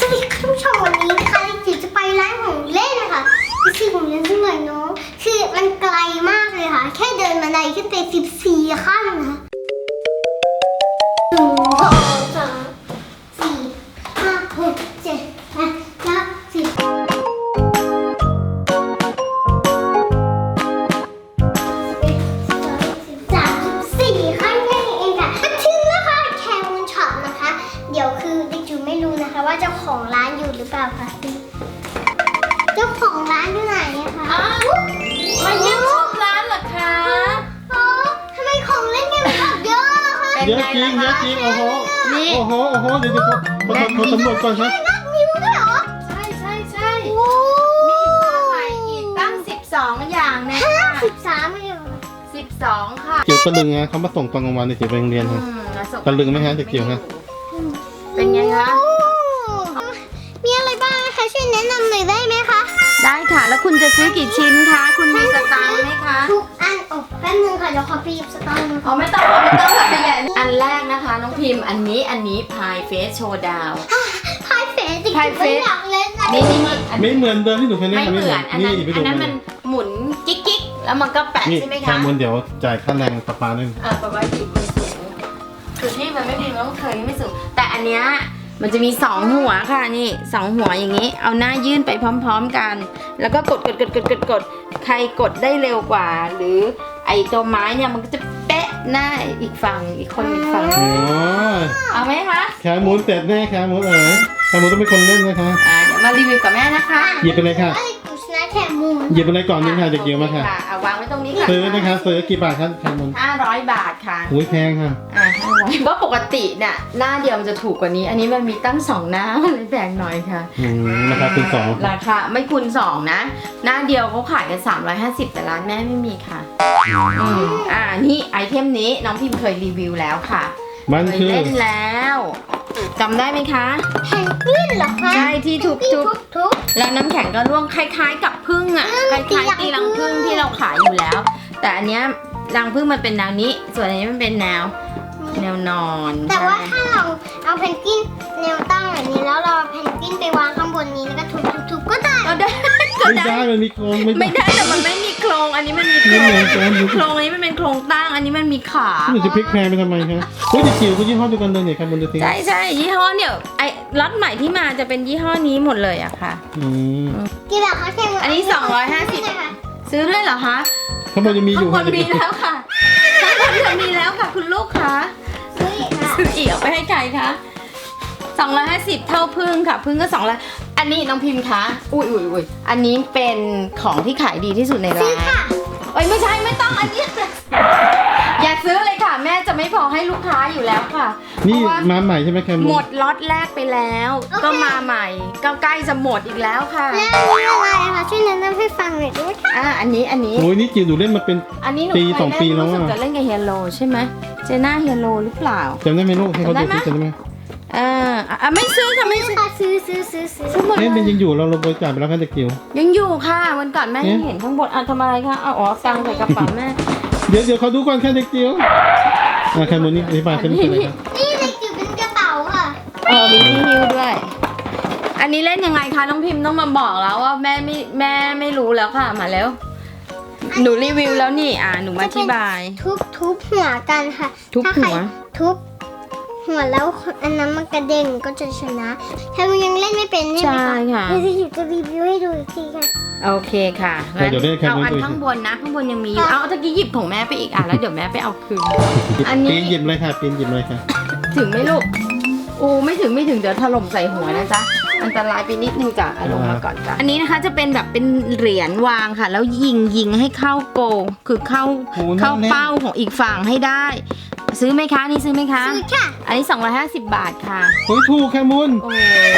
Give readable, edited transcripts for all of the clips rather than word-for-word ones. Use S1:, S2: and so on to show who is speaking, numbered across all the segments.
S1: วัสดีคุณผู้ชมวันนี้นะคะจิ๋วจะไปร้านของเล่นนะคะคือของเล่นที่ไหนเนาะคือมันไกลมากเลยค่ะแค่เดินบันไดขึ้นไป14 ขั้นนะคะ1 2 3 4 5 6 7 8 9 10 34 ขั้นแค่นี้เองค่ะถึงแล้วค่ะแคมูนช็อปนะคะ เดี๋ยวคือเด็กจิ๋วไม่รู้นะคะว่าเจ้าของร้านอยู่หรือเปล่าคะเจ้าของร้านอยู่ไหนอะคะ
S2: มาเยี่ยมชมร้านเหรอคะ
S1: อ๋อทำไมของเล่นเนี่ยมันแบบเยอะอะคะ
S3: เยอะจริงเยอะจริงโอ้โห
S2: นี่
S3: โอ้โหเดี๋ยวขอสำรวจก่อนครับ
S1: นับนิ้วด้วยเหรอ
S2: ใช่
S1: โอ้
S2: มีมาใหม่อีกตั้ง12 อย่างนะ
S1: 13ไม่เหรอ
S2: 12 ค่ะ
S3: เกี่ยวตะลึงนะเขามาส่งตอนกลางวันในเสียไปโรงเรียนครับ ตะลึงไหมฮะเด็กจิ๋วฮะ
S2: เป็นไงคะ
S1: โอ้มีอะไรบ้างคะช่วยแนะนำหน่อยได้ไหมคะ
S2: ได้ค่ะ แล้วคุณจะซื้อกี่ชิ้นคะ คุณมีสตางค์ไหมคะ
S1: ทุกอันโอ้แป๊บนึงค่ะเดี๋ยวขอไปหยิบสตางค์
S2: อ๋อไม่ต้องค่ะขยายอันแรกนะคะน้องพิมพ์อันนี้พายเฟสโชว์ดาว
S1: พายเฟสจริงๆไม่อยากเล่นนะ
S2: นี่อัน
S3: ไม่เหมือนเดิมที่หนูเคยเล่น
S2: ไม่
S3: นะ
S2: เหมือนอันนั้น
S3: ไปดู
S2: มันหมุนกิ๊กแล้วมันก็แปะ
S3: นี่
S2: ใช่ไหม
S3: แค
S2: คะ
S3: มูลเดี๋ยวจ่ายค่าแรงประปาด้วย
S2: ประมาณกี่ปีสูงคือที่มันไม่มีมันต้องเคยไม่สูงแต่อันเนี้ยมันจะมี2 หัวค่ะนี่2 หัวอย่างนี้ เอาหน้ายื่นไปพร้อมๆกัน แล้วก็กดใครกดได้เร็วกว่า หรือไอ้ตัวไม้เนี่ยมันก็จะเป๊ะหน้าอีกฝั่งอีกคนอีกฝั่ง
S3: โอ้ย
S2: เอาไหมคะ
S3: แคมูลเสร็จแน่แคมูลแคมูลต้องเป็นคนเล่นนะคะ
S2: เดี๋ยวมารีวิวกับแม่นะคะ
S3: หยิบไปเลยค่ะ
S1: เอ้ยกูชนะแค่มูน
S3: หยิบไปเลยก่อนนี่ค่ะเด็กจิ๋วมาค่ะ
S2: เอาวางไว้ตรงนี้ค่ะ
S3: ซื้อนะคะซื้อกี่บาทครับแคมูล
S2: 500 บาทค่ะ
S3: อุ้ยแพงค่ะ
S2: 500เพราะปกติเนี่ยหน้าเดียวมันจะถูกกว่านี้ อันนี้มันมีตั้ง2 หน้าเลยแพงหน่อยค่ะ
S3: ราคาคูณ 2
S2: ราคาไม่คูณ2นะ หน้าเดียวเขาขายกัน350แต่ร้านแม่ไม่มีค่ะนี่ไอเทมนี้น้องพิมพ์เคยรีวิวแล้วค่ะ
S3: มัน
S2: เคย
S3: คือ
S2: เล่นแล้วจำได้ไหมคะ
S1: แพนกวินเหรอคะ
S2: ใช่ที่ทุบ
S1: ทุบ
S2: แล้วน้ำแข็งก็ร่วงคล้ายๆกับพึ่งอ่ะคล้ายๆตีรังพึ่งที่เราขายอยู่แล้ว แต่อันเนี้ยรังพึ่งมันเป็นแนวนี้ ส่วนอันนี้มันเป็นแนวนอน
S1: แต่ว่าถ้าเราเอาเพนกวินแนวตั้งแบบนี้แล้วเราเอาเพนกวินไปวางข้างบนนี้แล้วก็ทุบก็ได้
S2: ก็ได้
S3: ไม่ได้มันมีโครงไม่ได้
S2: แต่มันไม่มีโครงอันนี้มันมีโคร
S3: ไม่
S2: ง
S3: เหมือนกัน
S2: โครงอันนี้มันเป็นโครงตั้งอันนี้มันมีขา
S3: หนูจะพลิกแพงไปทำไมคะเฮ้ยเด็กจิ๋วก็ยี่ห้อเดียวกันเลยเนี่ยแคมูลดูสิ
S2: ใช่ยี่ห้อเนี่ยไอ้ล็อตใหม่ที่มาจะเป็นยี่ห้อนี้หมดเลยอะค่ะ
S1: กี่บาทคะแค่มูน
S2: อันนี้250 ซื้อด้วยเหรอคะ
S3: ข้างบนยังมีอยู่
S2: ข้างบนมีแล้วค่ะข้างบนมีแล้วค่ะคุณลูกคะ
S1: ซื้ออีกค่ะ
S2: ซื้ออีกเอาไปให้ใครคะ250เท่าพึ่งค่ะพึ่งก็200อันนี้น้องพิมพ์คะอุ้ยอันนี้เป็นของที่ขายดีที่สุดในร้านเอ้ยไม่ใช่ไม่ต้องอันนี้ อย่าซื้อเลยค่ะ แม่จะไม่พอให้ลูกค้าอยู่แล้วค่ะ
S3: นี่
S2: เพราะว่า
S3: มาใหม่ใช่ไหมแคมูล
S2: หมดล็อตแรกไปแล้ว ก็มาใหม่ก็ใกล้จะหมดอีกแล้วค่ะ
S1: แล้วนี่อะไรคะช่วยแนะนำให้ฟังหน่อยได้ไหมคะ
S2: อันนี้
S3: โอ้ยนี่จิ๋วหนูเล่นมาเป็น
S2: อันนี้หนู
S3: ปี
S2: เคย
S3: 2 ปีแล้ว
S2: รู้สึก
S3: อะ
S2: จะเล่นกับเฮียโรใช่ไหมเจน่าเฮียโรหรือเปล่า
S3: จำได้ไหมลูกให้เขาดู
S2: จำได้ไหม
S3: สิจำได้ไหม
S2: ไม่ซื้อค่ะไม่ซื้อ
S1: ซื้อ
S2: ซื้อหมด
S3: เอ๊ะ
S2: เล
S3: มัน
S2: ย
S3: ยังอยู่เราบริจาคไปแล้วกันเด็กจิ๋ว
S2: ยังอยู่ค่ะวันก่อนแม่
S3: เอ๊ะ
S2: ยังเห็นข้างบนทำอะไรคะอ๋อตังค์ใส่กระเป๋าแม่
S3: เดี๋ยวเขาดูก่อนแค่เด็กจิ๋วแคมูลนี่อธิบายฉันเป็นอะไรครับ
S1: นี่เด็กจิ๋วเป็นกระเป๋าค่ะ
S2: มีที่ฮิ้วด้วย อันนี้เล่นยังไงคะน้องพิมพ์ต้องมาบอกแล้วว่าแม่ไม่รู้แล้วค่ะมาแล้ว หนูรีวิวแล้วนี่หนูมาอธิบาย
S1: ทุบหัวกันค่ะ
S2: ทุบ
S1: ถ้าใคร
S2: หัว
S1: ทุบหัวแล้วอันนั้นมันกระเด้งก็จะชนะถ้ามันยังเล่นไม่เป็นใช่ไหม
S2: ใช่
S1: คะ
S2: ค่ะ
S1: เดี๋ยวจะรีวิวให้ดูอีกทีค่ะ
S2: โอเคค่ะ
S3: เดี๋ยวได้แค
S2: เอา
S3: มูล
S2: อัน
S3: ดู
S2: ข้างบนนะข้างบนยังมีอยู่เอาตะกี้หยิบของแม่ไปอีกแล้วเดี๋ยวแม่ไปเอาคืน อันนี้
S3: ปีนหยิบเลยค่ะปีนหยิบเลยค่ะ
S2: ถึงไหมลูกไม่ถึงเดี๋ยวถล่มใส่หัวนะจ๊ะอันตรายไปนิดนึงจ้ะเอาลงมาก่อนจ้ะอันนี้นะคะจะเป็นแบบเป็นเหรียญวางค่ะ แล้วยิงให้เข้าโกลคือเข้า
S3: โอ้น่าเล่น
S2: เป้าของอีกฝั่งให้ได้ ซื้อไหมคะนี่ซื้อไหมคะ
S1: ซื้อค่ะ
S2: อันนี้250 บาทค่ะ
S3: เฮ้ยถูกแคมูล
S2: โอ้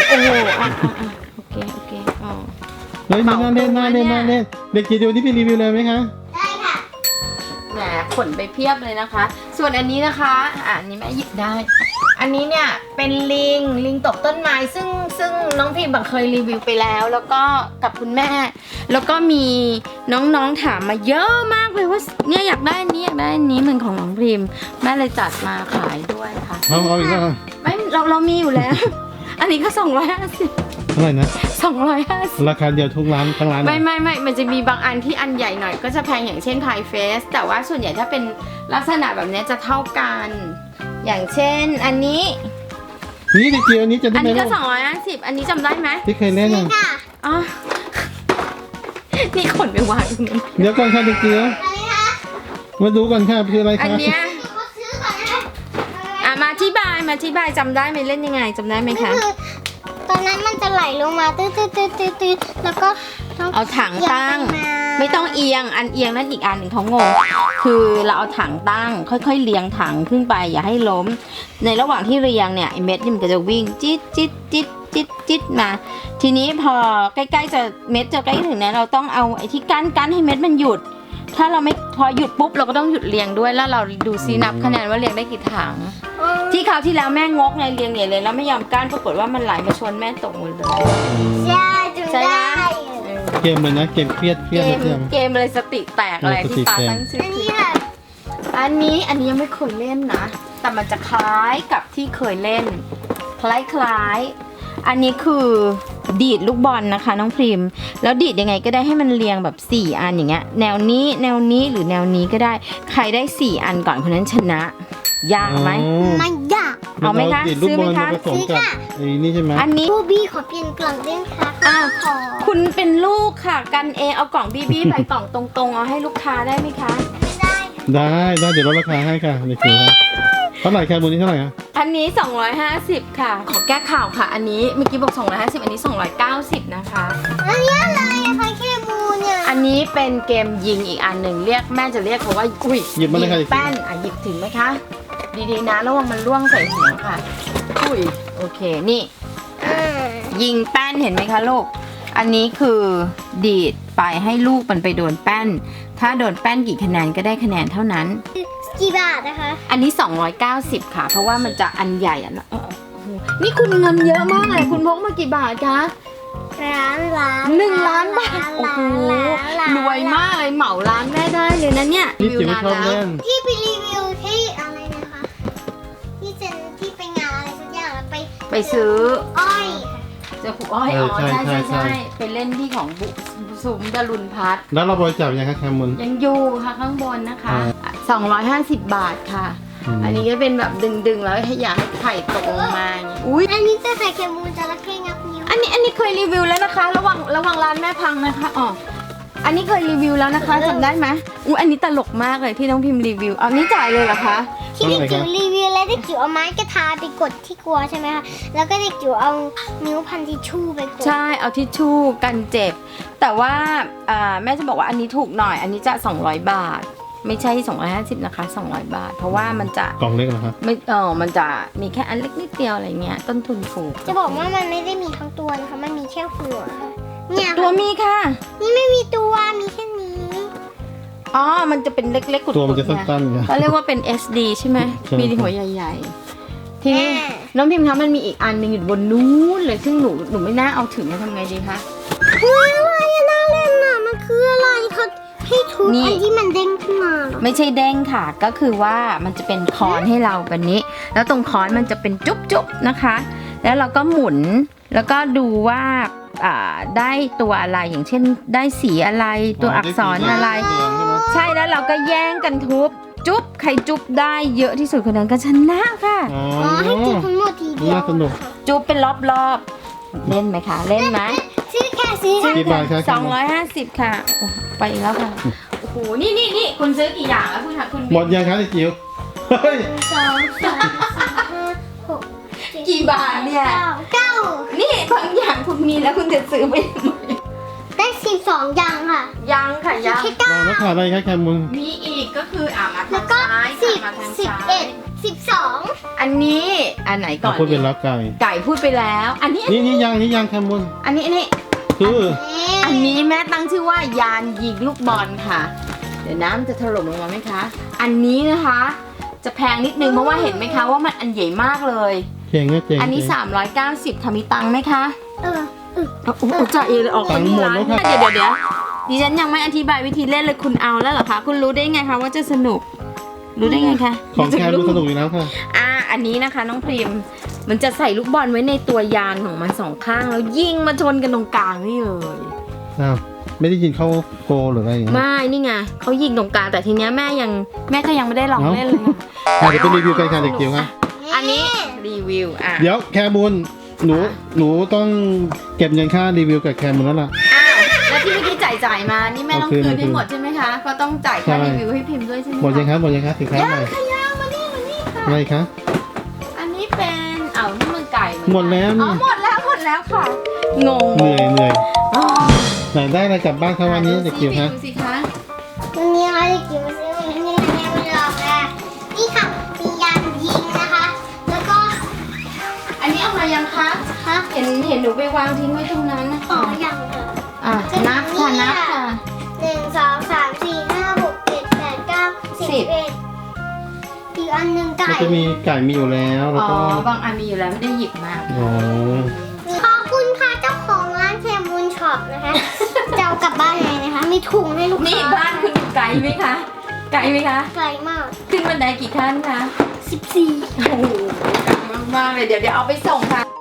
S2: โอเคอ๋อ
S3: เฮ้ยน่าเล่นเด็กจิ๋วนี่ไปรีวิวเลยไหมคะ
S1: ได้ค่ะ
S2: แหมขนไปเพียบเลยนะคะ ส่วนอันนี้นะคะอันนี้แม่หยิบได้ อันนี้เนี่ยเป็นลิงตกต้นไม้ซึ่งน้องพิมพ์เคยรีวิวไปแล้ว แล้วก็กับคุณแม่ แล้วก็มีน้องๆถามมาเยอะมากเลยว่าเนี่ยอยากได้อันนี้เหมือนของน้องพิมพ์แม่เลยจัดมาขายด้วยค่ะ
S3: เอาอีกแล้ว
S2: ไม่เรามีอยู่แล้วอันนี้ก็250
S3: เท่าไหร่นะ
S2: 250
S3: ราคาเดียวทุกร้านทั้งร้าน
S2: ไม่มันจะมีบางอันที่อันใหญ่หน่อยก็จะแพงอย่างเช่นพายเฟสแต่ว่าส่วนใหญ่ถ้าเป็นลักษณะแบบนี้จะเท่ากัน อย่างเช่นอันนี้
S3: นี่เด็กจิ๋วอันนี้จะได้
S2: อัน
S3: ไหม
S2: นี้ก็
S3: ลูก
S2: 250อันนี้จำได้ไหม
S3: ที่เคยเล่น
S1: นี่
S3: อ่ะ
S1: ค่ะ
S2: อ๋อ นี่ขนไปวางตรงนู้น
S3: เดี๋ยวก่อนค่ะเด็กจิ๋ว
S1: อะไรคะ
S3: มาดูก่อนค่ะคืออะไร
S2: อัน
S3: คะ
S2: เนี้ย
S1: เดี๋ยวเขาซื้อก่อนนะคะ
S2: มาอธิบายจำได้ไหมเล่นยังไงจำได้ไหม
S1: ก็
S2: คะ
S1: คือตอนนั้นมันจะไหลลงมาตื้อแล้วก็ต้อง
S2: เอาถังตั้ง ไม่ต้องเอียงอันเอียงนั่นอีกอันหนึ่งเขางงคือเราเอาถังตั้ง ค่อยๆเรียงถังขึ้นไปอย่าให้ล้ม ในระหว่างที่เรียงเนี่ยไอเม็ดนี่มันก็จะวิ่งจิ๊ดมา ทีนี้พอใกล้ๆจะเม็ดจะใกล้ถึงเนี่ยเราต้องเอาไอ้ที่กั้นให้เม็ดมันหยุด ถ้าเราไม่พอหยุดปุ๊บเราก็ต้องหยุดเรียงด้วยแล้วเราดูซินับคะแนนว่าเรียงได้กี่ถัง ที่คราวที่แล้วแม่งกไงเรียงเนี่ยเลยแล้วไม่ยอมกั้นปรากฏว่ามันไหลมาชนแม่ตกหมดเลย
S1: ใช่จำได้
S3: เกมเลยนะเกมเครียดนะเพื่อน
S2: เกมอะไรสติแตกอะไรที่ป้าตั้งชื่อ
S1: อันนี้ค่ะ
S2: อันนี้ยังไม่เคยเล่นนะ แต่มันจะคล้ายกับที่เคยเล่น คล้ายอันนี้คือดีดลูกบอลนะคะน้องพริมแล้วดีดยังไงก็ได้ให้มันเรียงแบบ4อันอย่างเงี้ยแนวนี้หรือแนวนี้ก็ได้ใครได้4อันก่อนคนนั้นชนะยากไหม
S1: มันยาก
S2: เอาไหมคะ
S3: ลูก
S2: ซื้อบ ไหม
S3: อล
S2: คะ
S3: ผสมกับไอ้นี่ใช่ไหม
S2: อันนี้
S1: บูบี้ขอเปลี่ยนกล่องได้ไหมคะ
S2: อ่ะ
S1: ขอ
S2: คุณเป็นลูกค่ะกันเองเอากล่องบี้ไปกล่องตรงๆเอาให้ลูกค้าได้ไหมคะ
S1: ไม่ได้
S3: ได้เดี๋ยวลดราคาให้ค่ะเด็กจิ๋วครับเท่าไหร่แคมูลนี้เท่าไหร่อะ
S2: อันนี้250ค่ะขอแก้ข่าวค่ะ อันนี้เมื่อกี้บอก250อันนี้290นะคะ
S1: อันนี้อะไรอะคะเคมูเนี่ย
S2: อันนี้เป็นเกมยิงอีกอันหนึ่งเรียกแม่จะเรียกเขาว่าอุ้ย
S3: หยิบมาเลยค่ะ
S2: แป้นหยิบถึงไหมคะดีๆนะระวังมันร่วงใส่หัวค่ะอุ้ยโอเคนี่ ยิงแป้นเห็นไหมคะลูก อันนี้คือดีดไปให้ลูกมันไปโดนแป้น ถ้าโดนแป้นกี่คะแนนก็ได้คะแนนเท่านั้น
S1: กี่บาทนะคะ
S2: อันนี้290ค่ะ เพราะว่ามันจะอันใหญ่อ่ะโอ้โหนี่คุณเงินเยอะมากเลยคุณพกมากี่บาทคะ
S1: 1 ล้าน
S2: 1 ล้านบาทโอ้โหรวยมากเลยเหมาร้านแม่ได้เลยนะเนี่ย
S3: นี่จิ๋วชอบเล่น
S1: ที่ไปรีวิวที่อะไรนะคะที่ไปงานอะไรสักอย่างแล้ว
S2: ไปซื้อ
S1: อ้อย
S2: เจอครูอ้อยอ๋อใช่ไปเล่นที่ของสุมดารุณพัฒน์
S3: แล้วเราบริจาคยังคะแคมูล
S2: ยังอยู่ค่ะข้างบนนะคะ 250 บาทค่ะ
S3: อืม
S2: อันนี้ก็เป็นแบบดึงๆแล้วให้อยากให้ไข่ตกลงมาอย่างงี้อุ้ย
S1: อันนี้จะใส่เคมูนจระเข้งับนิ้ว
S2: อันนี้เคยรีวิวแล้วนะคะ ระวังร้านแม่พังนะคะอ๋ออันนี้เคยรีวิวแล้วนะคะจำได้ไหมอุ้ยอันนี้ตลกมากเลยที่น้องพิมพ์รีวิวเอานี่จ่ายเลยเหรอคะ
S1: ที่เด็กจิ๋วรีวิวแล้วเด็กจิ๋วเอาไม้กระทาไปกดที่กลัวใช่ไหมคะแล้วก็เด็กจิ๋วเอานิ้วพันทิชชู่ไปกด
S2: ใช่เอาทิชชู่กันเจ็บ แต่ว่าแม่จะบอกว่าอันนี้ถูกหน่อย อันนี้จะ200 บาท ไม่ใช่250นะคะ200 บาท เพราะว่ามันจะ
S3: กล่องเล็กเหรอคะ
S2: ไม่มันจะมีแค่อันเล็กนิดเดียวอะไรเงี้ยต้นทุนถูก
S1: จะบอกว่ามันไม่ได้มีทั้งตัวนะคะมันมีแค่หัวค่ะเนี่ย
S2: ตัวมีค่ะ
S1: นี่ไม่มีตัวมีแค่นี้
S2: อ๋อมันจะเป็นเล็กๆกุดๆ
S3: ตัวมันจะสั้นๆไง
S2: เขาเรียกว่าเป็น SD ใช่ไหม
S3: ใช่
S2: มีหัวใหญ่ๆ ทีนี้น้องพิมพ์คะมันมีอีกอันหนึงอยู่บนนู้นเลยซึ่งหนูไม่น่าเอาถึงนะทำไงดีคะ
S1: เฮ้ยอะไรอะน่าเล่นน่ะมันคืออะไรเขาให้ทุบ
S2: นี่
S1: อันที่มันเด้งขึ้นมาเหรอ
S2: ไม่ใช่เด้งค่ะ ก็คือว่ามันจะเป็นคอนให้เราแบบนี้ แล้วตรงคอนมันจะเป็นจุ๊บๆนะคะ แล้วเราก็หมุนแล้วก็ดูว่าได้ตัวอะไรอย่างเช่น ได้สีอะไรตัวอักษรอะไร ใช่แล้วเราก็แย่งกันทุบจุ๊บใครจุ๊บได้เยอะที่สุดคนนั้นก็ชนะค่ะ
S3: อ๋อ
S1: อ๋อให้จุบทั้งหมดทีเดียว
S3: น่าสนุก
S2: จุ๊บเป็นรอบๆเล่นไหมคะเล่นไหม
S1: ซื้อแค่ซื้อ
S3: กี่บาทคะ
S2: 250 ค่ะโอ้ไปอีกแล้วค่ะโอ้โหนี่คุณซื้อกี่อย่างแล้วคุณ
S3: หมดยังคะเด็กจิ๋วเฮ้ย
S1: 2 3 4 5 6
S2: กี่บาทเนี่ย
S1: 9
S2: นี่บางอย่างคุณมีแล้วคุณจะซื้อไปทำไม
S1: ได้12อย่างค่ะ
S2: ยังค่ะยัง
S1: แค่
S3: ลองแล้วขาดอะไรคะแคมูล
S2: มีอีกก็คือมา
S1: แล้
S2: ทาว ง
S1: ก็
S2: ซ้าย
S1: 10
S2: มาทางซ้าย
S1: 11 12
S2: อันนี้อันไหนก่อน
S3: พูดเป็นแล้วไก่
S2: ไก่พูดไปแล้ว อันนี้
S3: นี่ยังแคมูล
S2: อันนี้
S3: คือ
S2: อันนี้แม่ตั้งชื่อว่ายานยิงลูกบอลค่ะ เดี๋ยวน้ำจะถล่มลงมาไหมคะ อันนี้นะคะ จะแพงนิดนึงเพราะว่าเห็นไหมคะว่ามันอันใหญ่มากเลย
S3: เจ๋งนะเจ๋ง
S2: อันนี้ 390ค่ะมีตังค์ไหมคะ
S1: เออ
S2: โอ้โหจ่ายเองเลยออกไปที่ร้านเนี่ยเดี๋ยวดิฉันยังไม่อธิบายวิธีเล่นเลยคุณเอาแล้วเหรอคะคุณรู้ได้ไงคะว่าจะสนุกรู้ได้ไงคะ
S3: ของแคมูลสนุกอยู่แล้วค่ะ
S2: อันนี้นะคะน้องพริมมันจะใส่ลูกบอลไว้ในตัวยานของมันสองข้างแล้วยิงมาชนกันตรงกลางนี่เลย
S3: อ้าวไม่ได้ยินเข้าโกหรืออะไรอย่างเงี้ย
S2: ไม่นี่ไงเขายิงตรงกลางแต่ทีเนี้ยแม่ก็ยังไม่ได้ลองเล่นเลยค่ะ
S3: เดี๋ยวไปรีวิวกันค่ะเด็กจิ๋วค่ะ
S2: อันนี้รีวิวอ่ะ
S3: เดี๋ยวแคมูลหนูต้องเก็บเงินค่ารีวิวกับแคมูลแล้วล่ะ
S2: อ้าวแล้วที่เมื่อกี้จ่ายมานี่แม่ต้องคืน
S3: เอาคื
S2: ให้
S3: น
S2: หมดใช่ไหมคะก็ต้องจ่ายค่า
S3: ใช่
S2: รีวิวให้พิมพ์ด้วยใช่ไหม
S3: หมดยัง
S2: คะ
S3: ครับหมดยังครับสินค้า
S2: ยัง
S3: ใหม่
S2: ค่ะยังมานี่ค่ะ
S3: อะไรคะ
S2: อันนี้เป็นนี่มันไก่เอนกัน
S3: หมดแล้ว
S2: อ๋อหมดแล้วค่ะงง
S3: เหนื่อย
S2: อ๋อ
S3: ไหนได้อะไรกลับบ้านครับวันนี้เด็กจิ๋วคะ
S2: ดูสิคะ
S1: วันนี้ค่ะเด็กจิ๋วซื้อวันนี้ค่ะแม่มาลองแล้วนี่ค่ะมียานยิงนะคะ แล้วก็
S2: อันนี้เอามายังคะ
S1: ค่ะ
S2: เห็นหนูไปวางทิ้งไว้ตรงนั้นนะ
S1: อ๋อ
S2: คะ
S1: ยังค่ะ
S2: อ่ะนับค่ะนับค่ะ
S1: 1 2 3 4 5 6 7 8 9 10 11อีกอันหนึ่งไก่
S3: มันจะมีไก่มีอยู่แล้วแล้ว
S2: อ๋อ
S3: ก็
S2: บางอันมีอยู่แล้วไม่ได้หยิบมา
S3: อ๋อ
S1: ขอบคุณค่ะเจ้าของร้านแคมูลช็อปนะคะ จะเอากลับบ้านเลยนะคะ มีถุงให้ลูก
S2: นี่
S1: ค้า
S2: บ้านคุณอยู่ไกลไหมคะไกลไหมคะ
S1: ไกลมาก
S2: ขึ้นบันไดกี่ขั้นคะ
S1: 14
S2: โอ้โหไกลมากๆเลยเดี๋ยวเอาไปส่งค่ะ